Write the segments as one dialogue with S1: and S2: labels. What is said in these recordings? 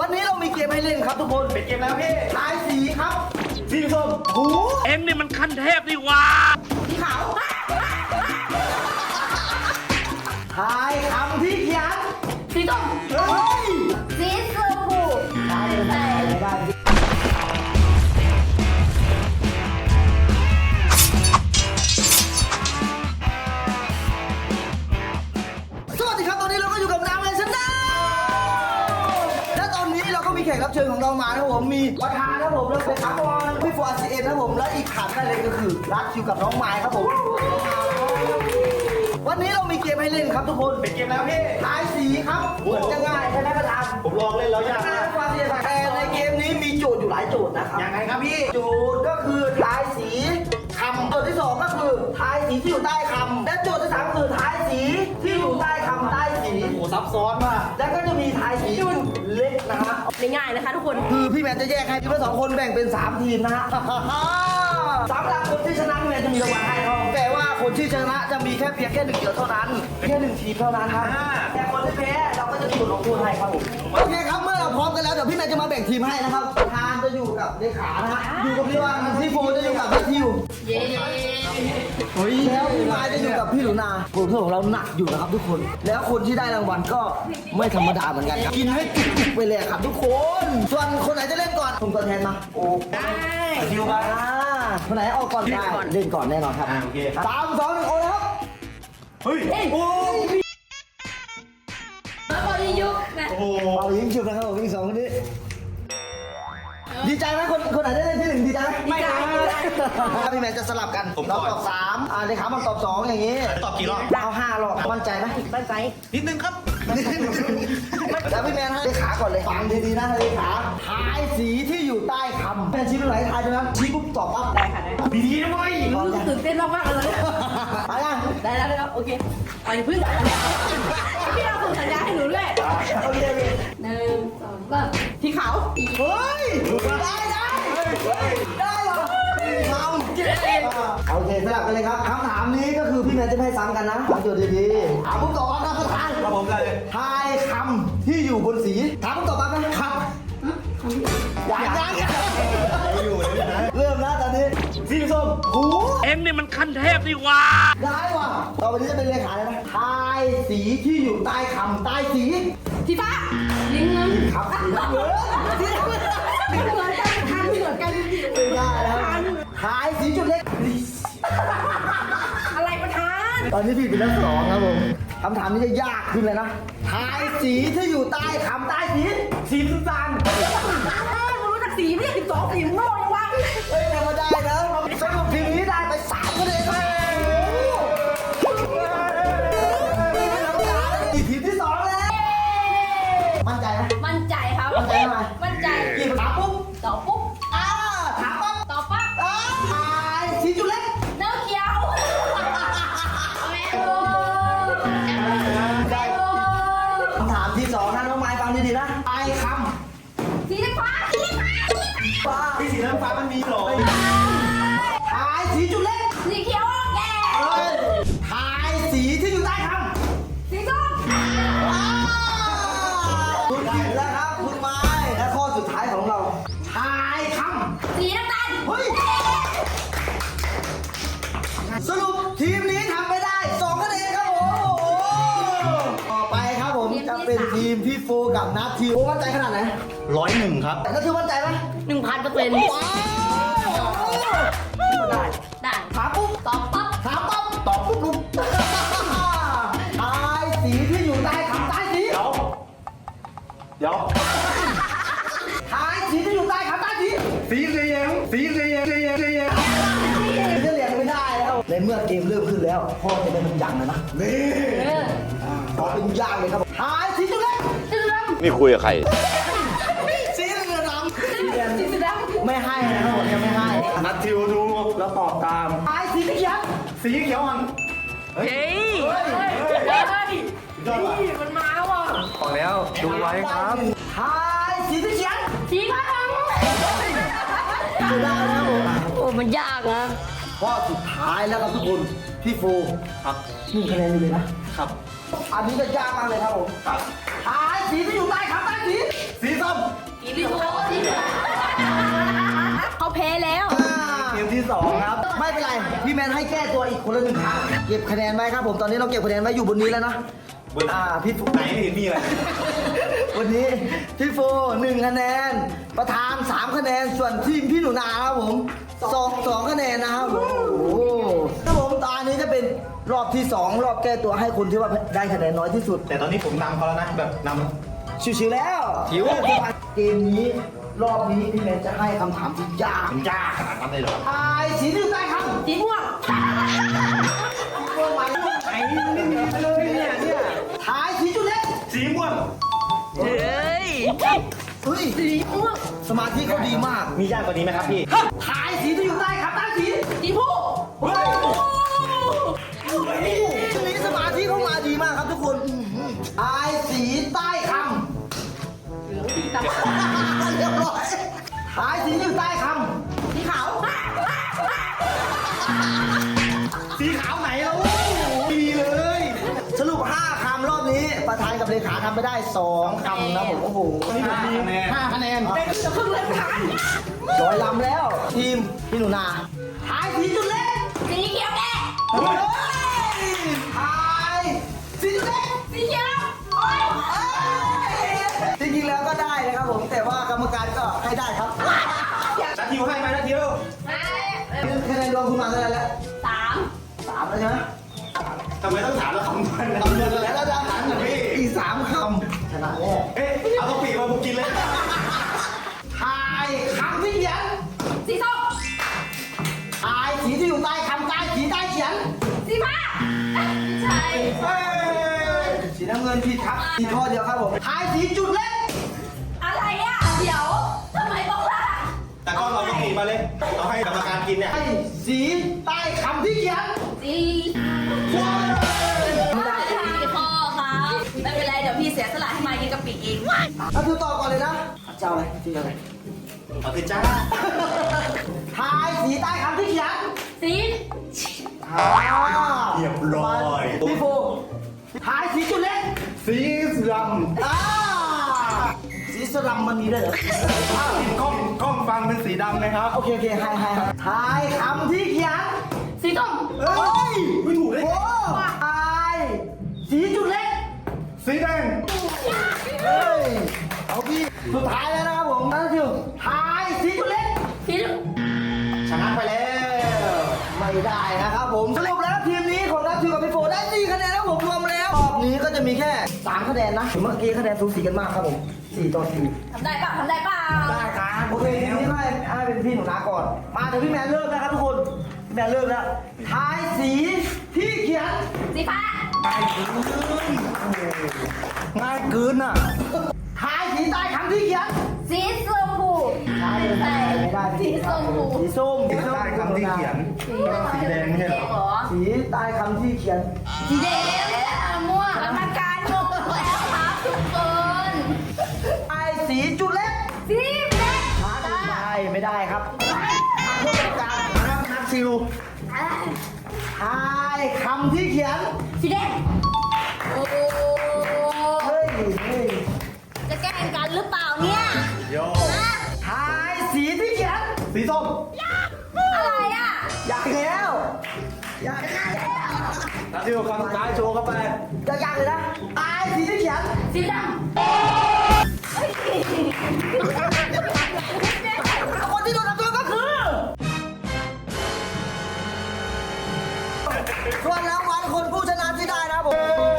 S1: วันนี้เรามีเกมให้เล่นครับทุกคนเป็นเกมแล้วพี่ทายสีครับสีส้มหู
S2: เอ็งนี่มันขั้นเทพนี่ว่า
S1: สีขาวทายคำที่เขียน
S3: สีส้ม
S1: เฮ้ย
S3: สีชมพู
S1: ทายได้สวัสดีครับตอนนี้เราก็อยู่กับน้ำเลยชนะและตอนนี้เราก็มีแขกรับเชิญของเรามานะครับผมมีประธานนะครับผมแล้วเป็นอักวอนพี่ฟัวซีเอ็นนะครับผมและอีกขาดได้เลยก็คือรักคิวกับน้องไม้ครับผมวันนี้เรามีเกมให้เล่นครับทุกคนเป็นเกมแล้วพี่ทายสีครับเหมือนจะง่ายใช่ไหมประธาน
S4: ผมลองเล่นแล้วยากมาก
S1: แต่ในเกมนี้มีโจทย์อยู่หลายโจทย์นะครับ
S4: ยังไงครับพี่
S1: โจทย์ก็คือทายสีคำโจทย์ที่2ก็คือทายสีที่อยู่ใต้คำและโจทย์ที่3คือทายสีที่อยู่ใต้คำใต้สี
S4: โอ้ซับซ้อนมาก
S1: แล้วก็จะมีทายสีจุดเล็กนะฮะ
S3: ง่ายๆนะคะทุกคน
S1: คือพี่แมนจะแยกให้ทีมละ2คนแบ่งเป็น3ทีมนะฮะสำหรับคนที่ชนะพี่แมนจะมีรางวัลให้เขาแต่ว่าคนที่ชนะจะมีแค่เพียงแค่1เดียวเท่านั้นแค่1ทีมเท่านั้นครับแต่คนที่แพ้เราก็จะมีบทลงโทษให้ครับผมโอเคครับเมื่อเราพร้อมกันแล้วเดี๋ยวพี่แมนจะมาแบ่งทีมให้นะครับทานจะอยู่กับเลขานะฮะอยู่กับพี่วังพี่โฟจะอยู่กับพี่ทิว
S3: เย้
S1: แล้วพี่ไม้จะอยู่กับพี่หนูนาผลของเราหนักอยู่นะครับทุกคนแล้วคนที่ได้รางวัลก็ไม่ธรรมดาเหมือนกันครับกินให้จุกๆไปเลยครับทุกคนส่วนคนไหนจะเล่นก่อนผมตัวแทนมาโอ้
S3: ได้
S1: ทิวมาคนไหนออกก่อนได้เล่นก่อนแน่นอนครับ
S4: โอเค
S1: 3 2 1โอ้ครับ
S4: เฮ้ยโอ้
S3: แล้วพอดียุกนะ
S4: โอ้
S1: เอายิงฉุบนะครับผมยิง2คนนี้ดีใจไหมคนไหนได้เล่นที่1ดีใจไหม
S3: ไม่ได้
S1: พี่แมนจะสลับกันเราตอบ3เลขามันตอบ2อย่างนี้
S4: ตอบกี่รอบ
S1: เอา5รอบมั่นใจไหม
S3: มั่นใจ
S4: นิดนึงครับ
S1: แล้วพี่แมนให้เลขาก่อนเลยฟังดีๆนะเลขาทายสีที่อยู่ใต้คำแมนชี้เป็นไหนทายใช่ไหมชี้ปุ๊บตอบปั๊บ
S3: ได้ค่ะได้
S1: ดีๆนะเว้ย
S3: ตื่นเต้นมากๆเลย
S1: ไปยัง
S3: ได้แล้วโอเคไปพึ่งพี่เราส่งสัญญาให้หนูด้วย
S1: โอเค
S3: 1 2 3ที่เขา
S1: เฮ้ยได้เหรอทำโอเคสลับกันเลยครับคำถามนี้ก็คือพี่แมนจะไม่ให้ซ้ำกันนะฟังโจทย์ดีๆถามผมตอบนะประธาน
S4: ครับผมเลย
S1: ทายคำที่อยู่บนสีถามผมตอบมานะครับยัง
S4: อยู่เลยนะ
S1: เริ่มนะตอนนี้สีส้มหู
S2: เอ็งนี่มันขั้นเทพนี่ว่า
S1: ได้ว่ะต่อไปนี้จะเป็นเลขาเลยนะทายสีที่อยู่ใต้คำใต้สี
S3: สีฟ้าลิงเงิน
S1: ครับสีน้ำเงิน
S3: เหมือนกันทันเหมือนกัน
S1: ไม่ได้แล้วทายสีจุดเล็ก
S3: อะไรประธาน
S1: ตอนนี้พี่เป็นนัก2ครับผมคำถามนี้จะยากขึ้นเลยนะทายสีที่อยู่ใต้คำใต้สีสีน้ำตาล
S3: รู้จักสีไม่ใช่12สีโง่ยังวะ
S1: เฮ้ยแต่มาได้นะสรุปทีนี้ได้ไป3คะแนนอีกทีที่2แล้วมั่นใจไหม
S3: มั่นใจครับ
S1: มั่นใจไหม
S3: มั่นใจ
S1: กี่ถามปุ๊บ
S3: ตอบปุ๊บ
S1: ถามปั๊บ
S3: ตอบปั๊บ
S1: ทายสีจุดเล็ก
S3: เนื้อเขียว
S1: คำถามที่2นะน้องไม้ฟังดีๆนะทายค
S3: ำสีฟ้า
S4: พี่สีน้ำฟ้ามันมีหรอ
S1: ทายสีจุดเล็ก
S3: สีเขียวแก่
S1: ทายสีที่อยู่ใต้คำ
S3: สีส้ม
S1: คุณผิดแล้วครับคุณไม้และข้อสุดท้ายของเราทายคำ
S3: สีน้ำตาล
S1: เฮ้ยสรุปทีมนี้ทำไปได้2คะแนนครับผมต่อไปครับผมจะเป็นทีมพี่โฟกับนัททีมโฟมั่นใจขนาดไหน
S4: 101ครับ
S1: แต่ก็คือมั่นใจไหม
S3: 1,000%ได้
S1: ถามปุ๊บ
S3: ตอบปั๊บ
S1: ถามปั๊บตอบปุ๊บลุกทายสีที่อยู่ใต้คำใต้สี
S4: เดี๋ยว
S1: ทายสีที่อยู่ใต้คำใต้สี
S4: สีเหลือง
S1: จะเรียนไม่ได้แล้วในเมื่อเกมเริ่มขึ้นแล้วพ่อจะเป็นอย่างเลยนะนี่ขอเป็นอย่างเลยครับทายสีจุดเล็ก
S2: นี่คุยกับใคร
S1: สีเหลืองดำ
S3: สีดำ
S1: ไม่ให้นะครับผมจะไม่ให้
S4: นัดทิวดู
S1: แล้วตอบตามทายสีเขียว
S4: สีเขียวอ่อน
S3: เฮ้ยมันมาว่ะ
S4: ออกแล้วดูไว้ครับ
S1: ทายสีเขียว
S3: สีฟ้า
S1: ไม่ได้แล้ว
S3: โอ้มันยากนะ
S1: ข้อสุดท้ายแล้วครับทุกคนพี่โฟ
S4: ครับ
S1: 1 คะแนนอยู่เลยนะครับ อันนี้จะยากมากเลยครับผม
S4: ครับ
S1: ทายสีที่อยู่ใต้คำใต้สี
S4: สีส้ม
S1: พี่แมนให้แก้ตัวอีกคนละ1 ครั้งเก็บคะแนนไว้ครับผมตอนนี้เราเก็บคะแนนไว้อยู่บนนี้แล้วนะ
S4: บน
S1: พี่ฟุ
S4: ไหนไม่เห็นมีอะไร
S1: วันนี้พี่โฟ1 คะแนนประธาน3 คะแนนส่วนทีมพี่หนูนาครับผม2 คะแนนนะครับผมโอ้โหครับผมตอนนี้จะเป็นรอบที่ 2 รอบแก้ตัวให้คนที่ว่าได้คะแนนน้อยที่สุด
S4: แต่ตอนนี้ผมนำเขาแล้วนะแบบนำ
S1: ชิวๆแล้ว
S4: ชิว
S1: เกมนี้รอบนี้พี่แมนจะให้คำถามที่ยาก
S4: มันยากขนาดนั้นเลยเหรอ
S1: ทายสีที่อยู่ใต้คำ
S3: สีม่วง
S1: ม่วงไหมไอ้ไม่มีเลยเนี่ยทายสีจุดเล็ก
S4: สีม่วง
S1: เฮ้ย
S3: สีม่วง
S1: สมาธิเขาดีมาก
S4: มียากกว่านี้ไหมครับพี่
S1: ทายสีที่อยู่ใต้คำใต้สี
S3: สีผู้
S1: เฮ้ยช่วงนี้สมาธิเขามาดีมากครับทุกคนทายสีใต้คำ
S3: เหลืองสีดำ
S1: เรียบร้อยทายสีอยู่ใต้ค
S3: สีขาว
S4: สีขาวไหนแล้วมีเลย
S1: ำสรุป5 คำรอบนี้ประธานกับเลขาทำไปได้2 คำนะผมโอ้โห
S4: นี่ผมมี5 คะแนน
S3: เป็นจะครึ่งเลยค่ะ
S1: ร้อยลำแล้ว ทีมพี่หนูนาทายสีจุดเล็ก
S3: สีเขียวแดง
S1: เฮ้ยทายสีจุดเล็ก
S3: สีเขียวโอ้ย
S1: จริงๆแล้วก็ได้นะครับผมแต่ว่ากรรมการก็ให้ได้ครับ
S4: นัททิวให้ไหมนัททิว
S1: คะแนนรวมคุณมาเท่าไหร่แล้ว
S3: 3
S1: 3แล้วใช่ไหม
S4: ทำไมต้องถามเราคำนวณนะ
S1: คำนวณแล้วนะ
S4: พี่
S1: อีก3 คำชนะแน่
S4: เอ๊ะเอากะปิมาผมกินเลย
S1: ทายคำที่เขียน
S3: สีส้ม
S1: ทายสีที่อยู่ใต้คำใต้สีใต้เขียน
S3: สีฟ้าใช่
S1: เฮ้ยสีน้ำเงินผิดครับอีกข้อเดียวครับผมทายสีจุดเล็ก
S3: อะไรอ่ะเดี๋ยวทำไมต้องล่ะ
S4: แต่ก็เรากะปิมาเลยเราให้กรรมการกินเนี่ย
S1: ทายสีใต้คำที่เขียน
S3: สี ไม่ได้พี่พ่อครับไม่เป็นไรเดี๋ยวพี่เสียสละให้มากินกะปิเอง
S1: เอาดูต่อก่อนเลยนะเจ้าอะไรที่อะไร
S4: เอาคือจ้า
S1: ทายสีใต้คำที่เขียน
S3: สี
S4: เรียบร้อย
S1: พี่โฟทายสีจุดเล็ก
S4: สีด
S1: สีสลัมมันมีด้วยเหรอ
S4: ำกล้องฟังเป็นสีดำนะครับ
S1: โอเคให้ทายคำที่เขียน
S3: สีส้ม
S1: เฮ้ย
S4: ไม่ถูกเลย
S1: โอ้ทายสีจุดเล็ก
S4: สีแดง
S1: เฮ้ยเอาพี่สุดท้ายแล้วนะครับผมนั่นคือทายสีจุดเล็ก
S3: สีเหลือง
S4: ชนะไปแล้ว
S1: ไม่ได้นะครับผมสรุปแล้วทีมนี้ของนัททิวกับพี่โฟได้4 คะแนนแล้วผมรวมแล้วรอบนี้ก็จะมีแค่3 คะแนนนะเมื่อกี้คะแนนสูสีกันมากครับผม4 ต่อ 4
S3: ทำได้ป่ะทำได้ป่ะ
S1: ได้ครับโอเคทีนี้ให้เป็นพี่หนูนาก่อน มาเดี๋ยวพี่แมนเลิกนะครับทุกคนพี่แมนเลิกแล้วทายสีที่เขียน
S3: สีฟ้า
S1: ง่ายเกินอ่ะทายสีใต้คำที่เขียน
S3: สีชมพู
S1: ทายไม่ได้
S3: สีชมพู
S1: สีส้ม
S4: ได้คำที่เขียนสีแดงไม่ใช่เหรอ
S3: เหรอ
S1: สีใต้คำที่เขียน
S3: สีแดงม่วงกรรมการงงแล้วครับทุกคน
S1: ทายสีจุดเล็ก
S3: สีแดง
S1: ไม่ได้ครับผู้จัดการนะครับนักซิลทายคำที่เขียน
S3: สีแดงโอ้
S1: เฮ้ย
S3: จะแกล้งกันหรือเปล่าเนี่ย
S4: โย
S3: ฮะ
S1: ทายสีที่เขียน
S4: สีส้ม
S3: อะไรอ่ะ
S1: อยากแล้วอยากแล้ว
S4: นัททิวคำสุดท้ายโชว์เข้าไป
S1: อยากเลยนะทายสีที่เขียน
S3: สีดำเฮ้ย
S1: คนที่โดนทำโทษก็คือส่วนรางวัลคนผู้ชนะที่ได้นะครับผม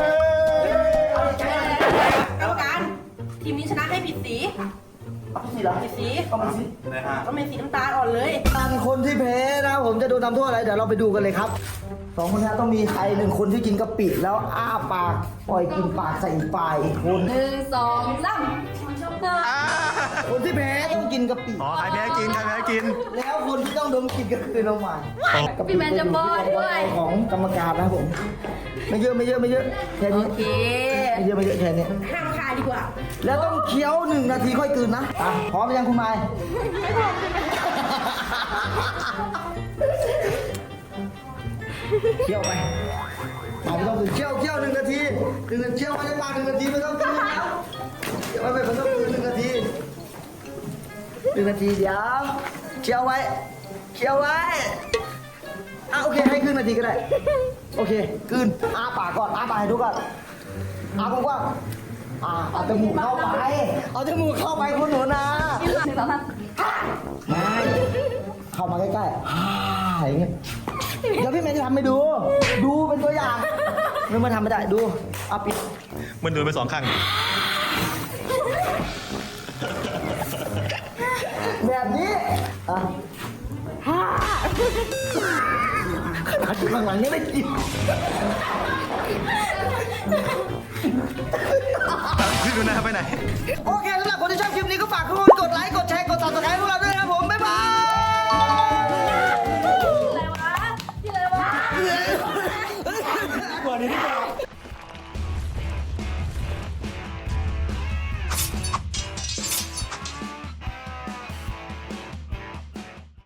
S3: กรรมการทีมนี้ชนะให้ผิดสี
S1: เอาสีเหรอ
S3: ผิดสี
S1: เอามาสี
S4: นะฮะ
S3: ต้องเป็นสีน้ำตาลอ่อนเลย
S1: การคนที่แพ้นะครับผมจะโดนทำโทษอะไรเดี๋ยวเราไปดูกันเลยครับ2 คนนี้ต้องมีใคร1 คนที่กินกะปิแล้วอ้าปากปล่อยกินปากใส่อีกปลายอีกคน
S3: 1 2 3
S1: คนที่แพ้ต้องกินกะปิ
S4: อ๋อใครแพ้กินใครแพ้กิน
S1: แล้วคนที่ต้องดมกลิ่นก็คือน้องหมาย
S3: พี่แมนจะป้อนด้วย
S1: ของกรรมการนะครับผม ไม่เยอะแค่นี้
S3: โอเค
S1: ไม่เยอะแค่นี้
S3: ห้ามคายดีกว่า
S1: แล้วต้องเคี้ยว1 นาทีค่อยกลืนนะอ่ะพร้อมหรือยังคุณไม้เคี้ยวไปไม่ต้องกลืนเคี้ยว1 นาที1 นาทีเคี้ยวไว้ในปาก1 นาทีไม่ต้องกลืนแล้วเคี้ยวไว้ไม่ต้องกลืน1 นาที1 นาทีเดี๋ยวเคี้ยวไว้โอเคให้ครึ่งนาทีก็ได้โอเคกลืนอ้าปากก่อนอ้าปากให้ดูก่อนอ้ากว้างๆเอาจมูกเข้าไปเอาจมูกเข้าไปคุณหนูนะ
S3: 1 2 3
S1: ไม่เข้ามาใกล้ๆอย่างเงี้ยเดี๋ยวพี่เมย์จะทำให้ดู ดูเป็นตัวอย่างไม่มาทำไม่ได้ดูเอาปิด
S4: มันโดนไป2 ครั้ง
S1: แบบนี้ขนาดอยู่ข้างหลังยังไม่กิน
S4: พี่ดูหน้าไปไหน